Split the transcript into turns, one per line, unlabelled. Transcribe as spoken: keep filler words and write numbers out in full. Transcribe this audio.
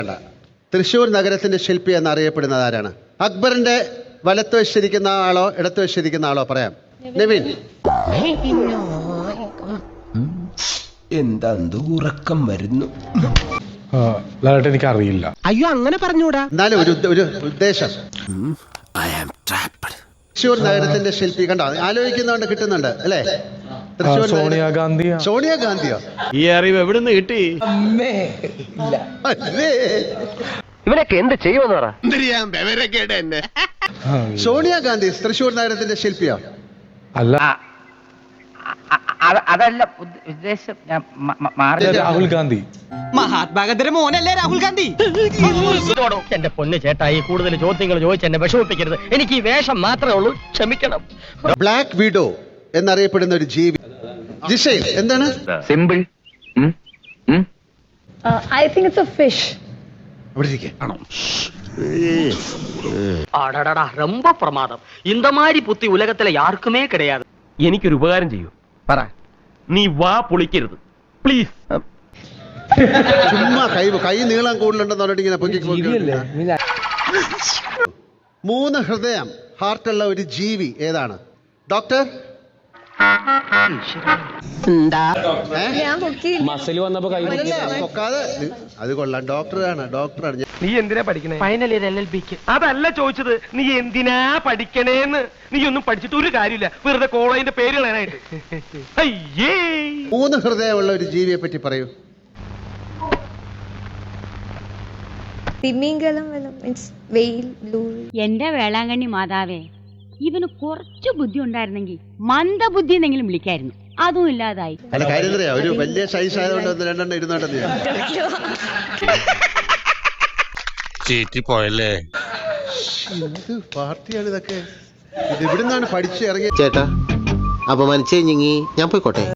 തൃശ്ശൂർ നഗരത്തിന്റെ ശില്പി എന്നറിയപ്പെടുന്നത് ആരാണ്? അക്ബറിന്റെ വലത്ത് വശിരിക്കുന്ന ആളോ ഇടത്ത് വശിരിക്കുന്ന ആളോ? പറയാം. നിവിൻ.
എന്താ ഉറക്കം വരുന്നു?
എനിക്ക് അറിയില്ല.
അയ്യോ അങ്ങനെ പറഞ്ഞൂടാ.
എന്നാലും ഒരു ഒരു ഉദ്ദേശം. തൃശ്ശൂർ നഗരത്തിന്റെ ശില്പി കണ്ടോ? ആലോചിക്കുന്നതുകൊണ്ട് കിട്ടുന്നുണ്ട് അല്ലേ? തൃശ്ശൂർ
സോണിയാഗാന്ധി.
സോണിയാഗാന്ധിയോ?
ഈ അറിവ് എവിടുന്ന് കിട്ടി?
ഇവനൊക്കെ എന്ത് ചെയ്യുമെന്ന് പറ.
സോണിയാഗാന്ധി തൃശ്ശൂർ നഗരത്തിന്റെ ശില്പിയോ?
അല്ല,
അതല്ല ഉദ്ദേശം.
രാഹുൽ ഗാന്ധി.
മഹാത്മാഗാന്ധിയുടെ മോനല്ലേ രാഹുൽ ഗാന്ധി?
എന്റെ പൊന്ന് ചേട്ടായി, കൂടുതൽ ചോദ്യങ്ങൾ ചോദിച്ച് എന്നെ വിഷമിപ്പിക്കരുത്. എനിക്ക് ഈ വേഷം മാത്രമേ ഉള്ളൂ, ക്ഷമിക്കണം.
ബ്ലാക്ക് വിഡോ എന്നറിയപ്പെടുന്ന ഒരു ജീവി. ജിഷയിൽ എന്താണ്?
Simple.
I think it's a fish.
അടടടാ, ரொம்ப പ്രമാദം. இந்த மாதிரி புத்தி உலகத்துல யாருக்குமே கிடையாது. എനിക്കൊരു ഉപകാരം ചെയ്യൂ.
പറ.
നീ വാ പൊളിക്കരുത് പ്ലീസ്.
ചുമ്മാ കൈ കൈ നീളം കൂടുതലുണ്ടെന്ന് പറഞ്ഞിട്ട് ഇങ്ങനെ പൊക്കി പൊക്കി. മൂന്ന് ഹൃദയം, ഹാർട്ടുള്ള ഒരു ജീവി ഏതാണ്? ഡോക്ടർ?
ഞാൻ പൊക്കിയില്ല.
മസിൽ വന്നപ്പോ കൈ
പൊക്കാതെ. അത് കൊള്ളാം. ഡോക്ടറാണ്, ഡോക്ടറാണ്.
നീ എന്തിനാ പഠിക്കണേ? ഫൈനൽ ഇയർ എൽ എൽ ബിക്ക്. അതല്ല ചോദിച്ചത്, നീ എന്തിനാ പഠിക്കണേന്ന്. നീ ഒന്നും പഠിച്ചിട്ട് ഒരു കാര്യമില്ല, വെറുതെ കോളേജിന്റെ പേര് കളയാനായിട്ട്. അയ്യേ.
മൂന്ന് ഹൃദയമുള്ള ഒരു ജീവിയെ പറ്റി പറയൂ.
തിമിംഗലം മീൻസ് വെയിൽ ബ്ലൂ.
എന്റെ വേളാങ്കണ്ണി മാതാവേ, ഇവന് കുറച്ചു ബുദ്ധി ഉണ്ടായിരുന്നെങ്കിൽ മന്ദബുദ്ധി എന്നെങ്കിലും വിളിക്കായിരുന്നു. അതും ഇല്ലാതായി.
അല്ല, കാര്യം അറിയാം, ഒരു വലിയ സൈസ് ആയതുകൊണ്ട് ഒന്ന് രണ്ടെണ്ണം ഇരുന്നോട്ടെന്ന്.
പോയല്ലേ
പാർട്ടിയാണ് ഇതൊക്കെ. ഇത് ഇവിടുന്നാണ് പഠിച്ചു ഇറങ്ങിയ.
ചേട്ടാ അപമാനിച്ചേ ഞാൻ പോയിക്കോട്ടെ.